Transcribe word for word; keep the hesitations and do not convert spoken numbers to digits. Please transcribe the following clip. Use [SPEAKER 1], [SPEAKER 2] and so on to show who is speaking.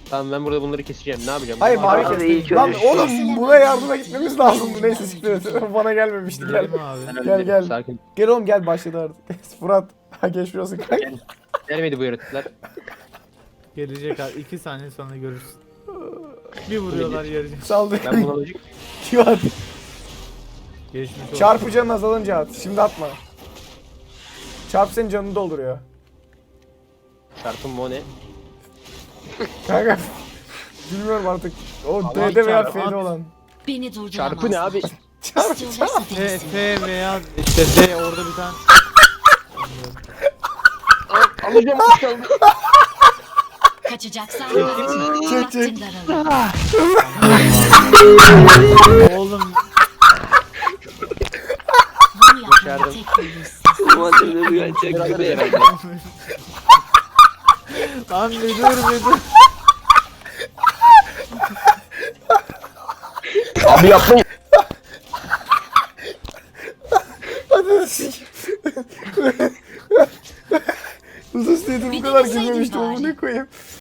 [SPEAKER 1] Tamam ben burada bunları keseceğim. Ne yapacağım?
[SPEAKER 2] Hayır
[SPEAKER 1] Bunlar-
[SPEAKER 2] mavi
[SPEAKER 3] Abi iyi
[SPEAKER 2] kestim. Lan
[SPEAKER 3] çalışıyor.
[SPEAKER 2] oğlum buna yardıma gitmemiz lazımdı. Neyse siktir et. Bana gelmemişti gel.
[SPEAKER 4] Gidelim abi.
[SPEAKER 1] Ben
[SPEAKER 2] Gel,
[SPEAKER 1] hallederim,
[SPEAKER 2] gel.
[SPEAKER 1] Sakin.
[SPEAKER 2] Gel oğlum gel başladı artık. Fırat. Ha geçmiyorsun kanka.
[SPEAKER 1] Gelmedi bu yaratıklar.
[SPEAKER 4] Gelecek abi. iki saniye sonra görürsün. Bir vuruyorlar yarıcı.
[SPEAKER 2] Saldır.
[SPEAKER 1] Ben buna lojik
[SPEAKER 2] At.
[SPEAKER 4] Geçmiş olsun.
[SPEAKER 2] Çarpı canın azalınca at. Şimdi atma. Çarp senin canını dolduruyor.
[SPEAKER 1] çarpım mı o ne?
[SPEAKER 2] Kanka. Bilmiyorum artık. O
[SPEAKER 1] Allah
[SPEAKER 2] D'de veya
[SPEAKER 4] çarpı,
[SPEAKER 2] F'de
[SPEAKER 4] at.
[SPEAKER 2] olan.
[SPEAKER 5] Beni durduramazlar.
[SPEAKER 1] Çarpı ne abi?
[SPEAKER 2] Çarp
[SPEAKER 5] İstiyorlarsa
[SPEAKER 4] F,
[SPEAKER 5] denesin.
[SPEAKER 4] F veya işte D orada bir tane.
[SPEAKER 1] Alacağım çaldı.
[SPEAKER 5] Kaçacaksan
[SPEAKER 2] Çek, çek.
[SPEAKER 5] vaktin daralır.
[SPEAKER 4] Oğlum
[SPEAKER 5] Bunu yapmanın
[SPEAKER 1] Başardım.
[SPEAKER 5] tek yolu siz.
[SPEAKER 3] Madem uyanacak
[SPEAKER 1] Biraz
[SPEAKER 3] gibi.
[SPEAKER 1] herhalde.
[SPEAKER 4] lan bir dur bir dur.
[SPEAKER 1] Abi yapmayın.
[SPEAKER 2] Hadi sik. Uzun süredir bu kadar
[SPEAKER 5] Bir deneseydin
[SPEAKER 2] gülmemiştim.
[SPEAKER 5] bari.
[SPEAKER 2] Onu ne koyayım?